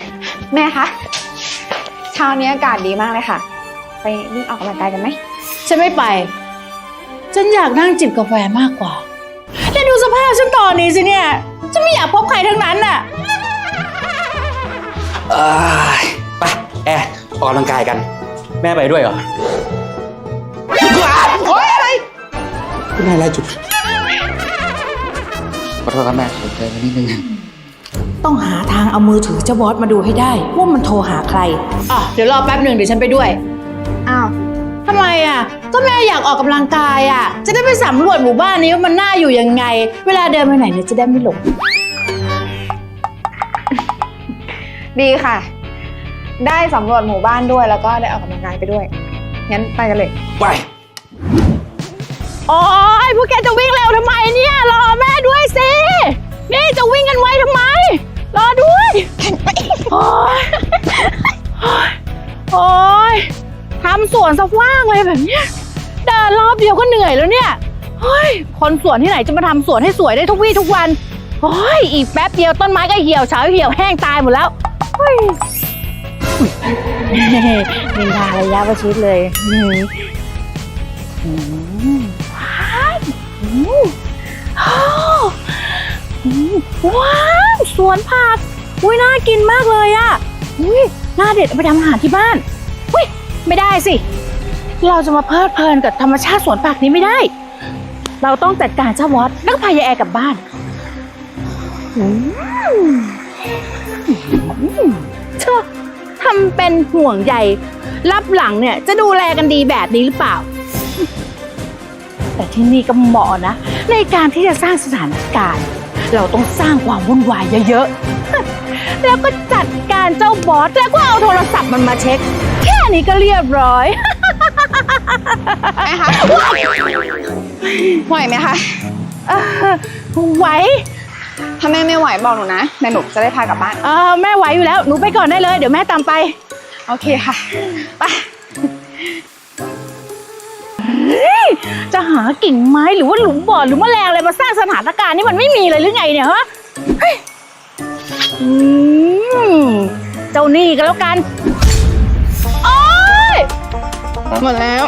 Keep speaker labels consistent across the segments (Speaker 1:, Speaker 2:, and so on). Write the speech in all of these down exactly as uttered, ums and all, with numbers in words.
Speaker 1: แม่คะเช้านี้อากาศดีมากเลยค่ะไปวิ่งออกกำลังกายกันไหม
Speaker 2: ฉันไม่ไปฉันอยากนั่งจิบกาแฟมากกว่าแต่ดูสภาพฉันตอนนี้สิเนี่ยฉันไม่อยากพบใครทั้งนั้นน่ะ
Speaker 3: ไปแอร์ออกกำลังกายกันแม่ไปด้วยเหรอโอ๊ยอะไรคุณนายไล่จุดขอโทษครับแม่ผมใจมานิดนึง
Speaker 2: ต้องหาทางเอามือถือเจ้าบอสมาดูให้ได้ว่ามันโทรหาใครอ่ะเดี๋ยวรอแป๊บหนึ่งเดี๋ยวฉันไปด้วย
Speaker 1: อ้าว
Speaker 2: ทำไมอ่ะก็แม่อยากออกกำลังกายอ่ะจะได้ไปสำรวจหมู่บ้านนี้ว่ามันน่าอยู่ยังไงเวลาเดินไปไหนเนี่ยจะได้ไม่หลง
Speaker 1: ดีค่ะได้สำรวจหมู่บ้านด้วยแล้วก็ได้ออกกำลังกายไปด้วยงั้นไปกันเลย
Speaker 3: ไป
Speaker 2: โอ๊ยพวกแกจะวิ่งเร็วทำไมเนี่ยรอแม่ด้วยสินี่จะวิ่งกันไวทำไมรอด้วยโอ๊ยโอ๊ยทำสวนซะว่างเลยแบบเนี้ยเดินรอบเดียวก็เหนื่อยแล้วเนี่ยเฮ้ยคนสวนที่ไหนจะมาทำสวนให้สวยได้ทุกวี่ทุกวันโอ้ยอีกแป๊บเดียวต้นไม้ก็เหี่ยวเฉาเหี่ยวแห้งตายหมดแล้วเฮ้ยนินทาระยะประชิดเลยว้าวสวนผักอุ้ยน่ากินมากเลยอ่ะอุ้ยน่าเด็ดเอาไปทำอาหารที่บ้านอุ้ยไม่ได้สิเราจะมาเพลิดเพลินกับธรรมชาติสวนผักนี้ไม่ได้เราต้องจัดการเจ้าวอดแล้วก็พายายแอร์กลับบ้านเธอทำเป็นห่วงใยรับหลังเนี่ยจะดูแลกันดีแบบนี้หรือเปล่าแต่ที่นี่ก็เหมาะนะในการที่จะสร้างสถานการณ์เราต้องสร้างความวุ่นวายเยอะๆแล้วก็จัดการเจ้าบอสแล้วก็เอาโทรศัพท์มันมาเช็คแค่นี้ก็เรียบร้อย
Speaker 1: แม่คะไหวไหมคะ
Speaker 2: ไหว
Speaker 1: ถ้าแม่ไม่ไหวบอกหนูนะเดี๋ยวหนูจะได้พากลับบ้าน
Speaker 2: เออแม่ไหวอยู่แล้วหนูไปก่อนได้เลยเดี๋ยวแม่ตามไป
Speaker 1: โอเคค่ะไป
Speaker 2: จะหากิ่งไม้หรือว่าหลุมบ่อหรือแมลงอะไรมาสร้างสถานการณ์นี่มันไม่มีเลยหรือไงเนี่ยฮะเจ้านี่ก็แล้วกันโอ๊ย
Speaker 1: หมดแล้ว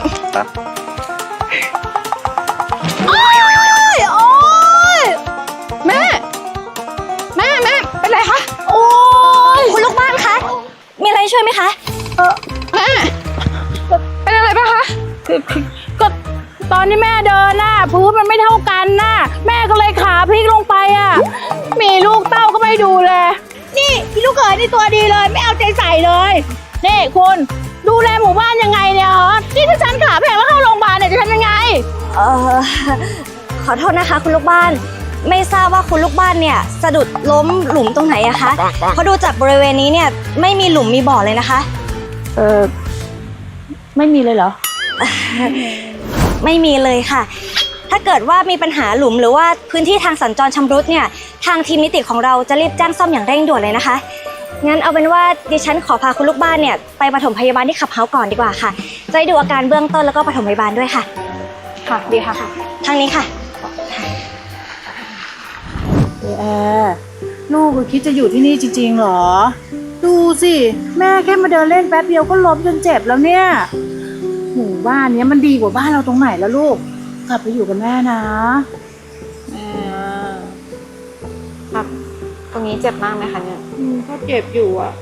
Speaker 2: โอ๊ยโอ๊ย
Speaker 1: แม่แม่แม่เป็นไรคะ
Speaker 2: โอ๊ย
Speaker 4: คุณลูกบ้านคะมีอะไรช่วยไหมคะ
Speaker 1: เออแม่เป็นอะไรป่ะคะ
Speaker 2: ก็ตอนที่แม่เดินน่ะพื้นมันไม่เท่ากันน่ะแม่ก็เลยขาพลิกลงไปอ่ะมีลูกเต้าก็ไม่ดูเลยนี่พี่ลูกเขยนี่ตัวดีเลยไม่เอาใจใส่เลยนี่คุณดูแลหมู่บ้านยังไงเนี่ยฮะนี่ถ้าฉันขาแพงแล้วเข้าโรงพยาบาลเนี่ยจะทำยังไง
Speaker 4: เออขอโทษนะคะคุณลูกบ้านไม่ทราบว่าคุณลูกบ้านเนี่ยสะดุดล้มหลุมตรงไหนอะคะเพราะดูจากบริเวณนี้เนี่ยไม่มีหลุมมีบ่อเลยนะคะ
Speaker 2: เออไม่มีเลยเหรอ
Speaker 4: ไม่มีเลยค่ะถ้าเกิดว่ามีปัญหาหลุมหรือว่าพื้นที่ทางสัญจรชำรุดเนี่ยทางทีมนิติของเราจะรีบแจ้งซ่อมอย่างเร่งด่วนเลยนะคะงั้นเอาเป็นว่าดิฉันขอพาคุณลูกบ้านเนี่ยไปปฐมพยาบาลที่ขับเฮาส์ก่อนดีกว่าค่ะจะได้ดูอาการเบื้องต้นแล้วก็ปฐมพยาบาลด้วยค่ะ
Speaker 1: ค่ะดีค่ะ
Speaker 4: ทางนี้ค่ะ
Speaker 2: แอร์ลูกคิดจะอยู่ที่นี่จริงๆหรอดูสิแม่แค่มาเดินเล่นแป๊บเดียวก็ล้มจนเจ็บแล้วเนี่ยหมู่บ้านนี้มันดีกว่าบ้านเราตรงไหนแล้วลูกกลับไปอยู่กับแม่นะครับ
Speaker 1: ตรงนี้เจ็บมากไหมคะเนี่ย
Speaker 2: ก็เจ็บอยู่อ่ะ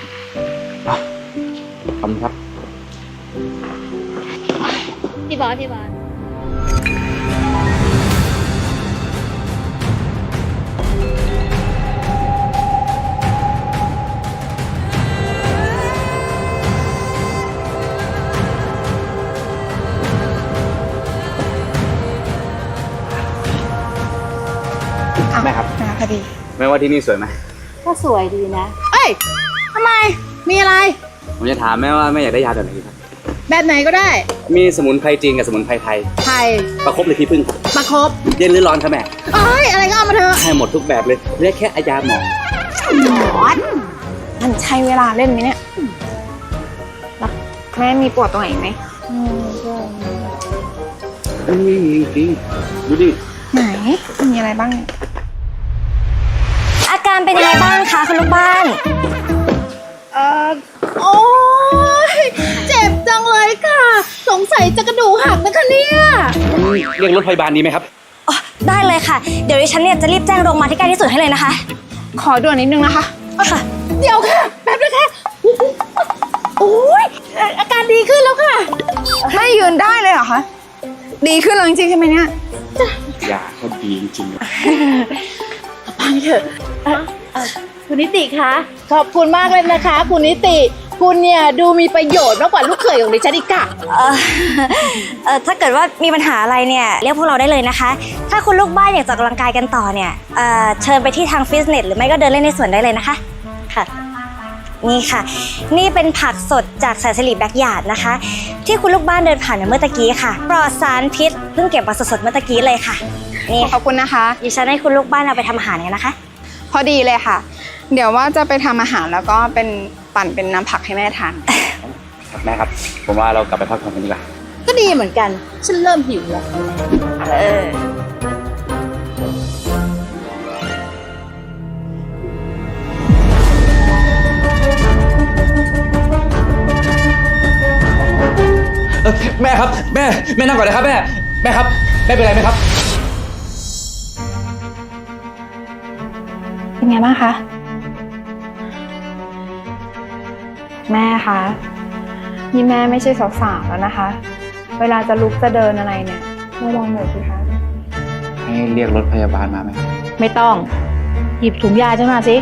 Speaker 3: ขอบคุณครับ
Speaker 4: พี่บอสพี่บอส
Speaker 3: แม่ครับ
Speaker 1: พอดี
Speaker 3: แม่ว่าที่นี่สวยไหม
Speaker 2: ก็สวยดีนะเอ้ยทำไมมีอะไร
Speaker 3: ผมจะถามแม่ว่าแม่อยากได้ยาแบบไหนครับ
Speaker 2: แบบไหนก็ได้
Speaker 3: มีสมุนไพรจีนกับสมุนไพรไทย
Speaker 2: ไทย
Speaker 3: ประคบหรือขี้ผึ้ง
Speaker 2: ประคบ
Speaker 3: เย็นหรือร้อนครับแม่
Speaker 2: เอ้ยอะไรก็เอามาเถอะ
Speaker 3: ให้หมดทุกแบบเลยเรียกแค่ยาหมอ
Speaker 1: หมอนมันใช้เวลาเล่นไหมเนี่ยแล้วแม่มีปวดตรงไหนไหม
Speaker 3: อืมมีจริงดูดิ
Speaker 1: ไหนมีอะไรบ้าง
Speaker 4: อาการเป็นยังไงบ้างคะคุณลูกบ้าน
Speaker 2: สัยจะกระดูกหักนะคะเนี่ย
Speaker 3: เรียกรถพยาบาลดีไหมครับ
Speaker 4: อ๋อได้เลยค่ะ เดี๋ยวดิฉันเนี่ยจะรีบแจ้งโรงพยาบาลที่ใกล้ที่สุดให้เลยนะคะ
Speaker 1: ขอด่วนนิดนึงนะคะ
Speaker 4: ค่ะ
Speaker 2: เดี๋ยวค่ะแป๊บนะคะโอ้ยอาการดีขึ้นแล้วค่ะ
Speaker 1: ไม่ยืนได้เลยเหรอคะ ดีขึ้นแล้วจริงๆใช่ไหมเนี่ย
Speaker 3: ยาก็ดีจริงๆ
Speaker 2: พังเถอะเอ่อเอ่อคุณนิติคะขอบคุณมากเลยนะคะ คุณนิติคุณเนี่ยดูมีประโยชน์มากกว่าลูกเขยของดิฉันอีกค่ะ
Speaker 4: เอ่อเอ่อถ้าเกิดว่ามีปัญหาอะไรเนี่ยเรียกพวกเราได้เลยนะคะ ถ้าคุณลูกบ้านอยากจะออกกำลังกายกันต่อเนี่ยเอ่อเชิญไปที่ทางฟิตเนสหรือไม่ก็เดินเล่นในสวนได้เลยนะคะค่ะ นี่ค่ะ นี่เป็นผักสดจากสายสิริแบ็กยาร์ดนะคะ ที่คุณลูกบ้านเดินผ่านมาเมื่อตะกี้ค่ะปลอดสารพิษเพิ่งเก็บมาสดๆเมื่อตะกี้เลยค่ะนี่
Speaker 1: ขอบคุณนะคะ
Speaker 4: ดิฉันให้คุณลูกบ้านเอาไปทำอาหารกันนะคะ
Speaker 1: พอดีเลยค่ะ เดี๋ยวว่าจะไปทำอาหารแล้วก็เป็นปั่นเป็นน้ำผักให้แม่ทาน
Speaker 3: ครับแม่ครับ ผมว่าเรากลับไปพักผ่อนกันดีกว่า
Speaker 2: ก็ดีเหมือนกัน ฉันเริ่มหิวแล้ว
Speaker 4: เออ
Speaker 3: เออแม่ครับ แม่ แม่นั่งก่อนนะครับแม่ แม่ครับ แม่เป็นไรไหมครับ
Speaker 1: เป็นไงบ้างคะ แม่คะ นี่แม่ไม่ใช่สาวๆแล้วนะคะ เวลาจะลุกจะเดินอะไรเนี่ยระวังหน่อยสิคะ
Speaker 3: ให้เรียกรถพยาบาลมาไหม
Speaker 2: ไม่ต้อง หยิบถุงยาฉันมาสิ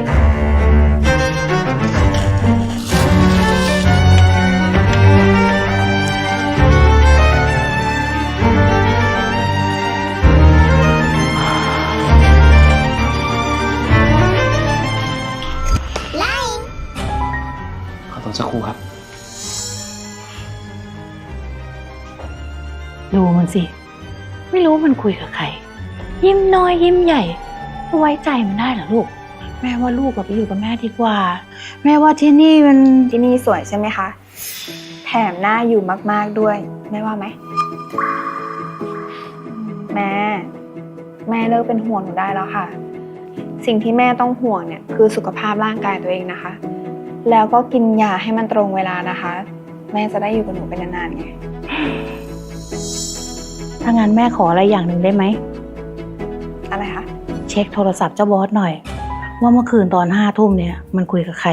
Speaker 3: ขอตัวสักครู่ครับ
Speaker 2: ดูมันสิ ไม่รู้มันคุยกับใคร ยิ้มน้อยยิ้มใหญ่จะไว้ใจมันได้เหรอลูก แม่ว่าลูกกับไปอยู่กับแม่ดีกว่า แม่ว่าที่นี่มัน
Speaker 1: ที่นี่สวยใช่ไหมคะ แถมน่าอยู่มากๆด้วย แม่ว่าไหม แม่ แม่เลิกเป็นห่วงหนูได้แล้วค่ะ สิ่งที่แม่ต้องห่วงเนี่ยคือสุขภาพร่างกายตัวเองนะคะ แล้วก็กินยาให้มันตรงเวลานะคะ แม่จะได้อยู่กับหนูเป็นนานๆไง
Speaker 2: ถ้างั้นแม่ขออะไรอย่างหนึ่งได้ไหม
Speaker 1: อะไรคะ
Speaker 2: เช็คโทรศัพท์เจ้าบอสหน่อย ว่าเมื่อคืนตอนห้าทุ่มเนี่ยมันคุยกับใคร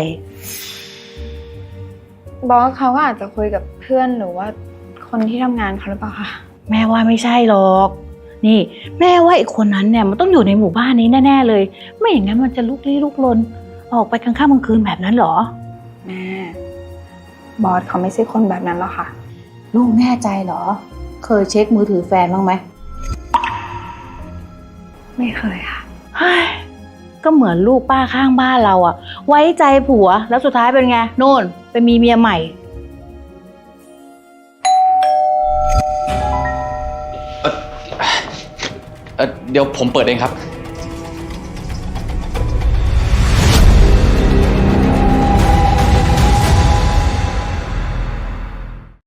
Speaker 1: บอสเขาก็อาจจะคุยกับเพื่อนหรือว่าคนที่ทำงานเขาหรือเปล่าคะ
Speaker 2: แม่ว่าไม่ใช่หรอก นี่ แม่ว่าไอ้คนนั้นเนี่ยมันต้องอยู่ในหมู่บ้านนี้แน่ๆเลย ไม่อย่างนั้นมันจะลุกลี้ลุกลนออกไปกลางค่ำกลางคืนแบบนั้นเหรอ
Speaker 1: แม่ บอสเขาไม่ใช่คนแบบนั้นหรอกค่ะ
Speaker 2: ลูกแน่ใจเหรอ เคยเช็คมือถือแฟนบ้างไหม
Speaker 1: ไม่เคยค่ะ
Speaker 2: เฮ้ยก็เหมือนลูกป้าข้างบ้านเราอะไว้ใจผัวแล้วสุดท้ายเป็นไงโน่นไปมีเมียใหม่
Speaker 3: เออเดี๋ยวผมเปิดเองครับ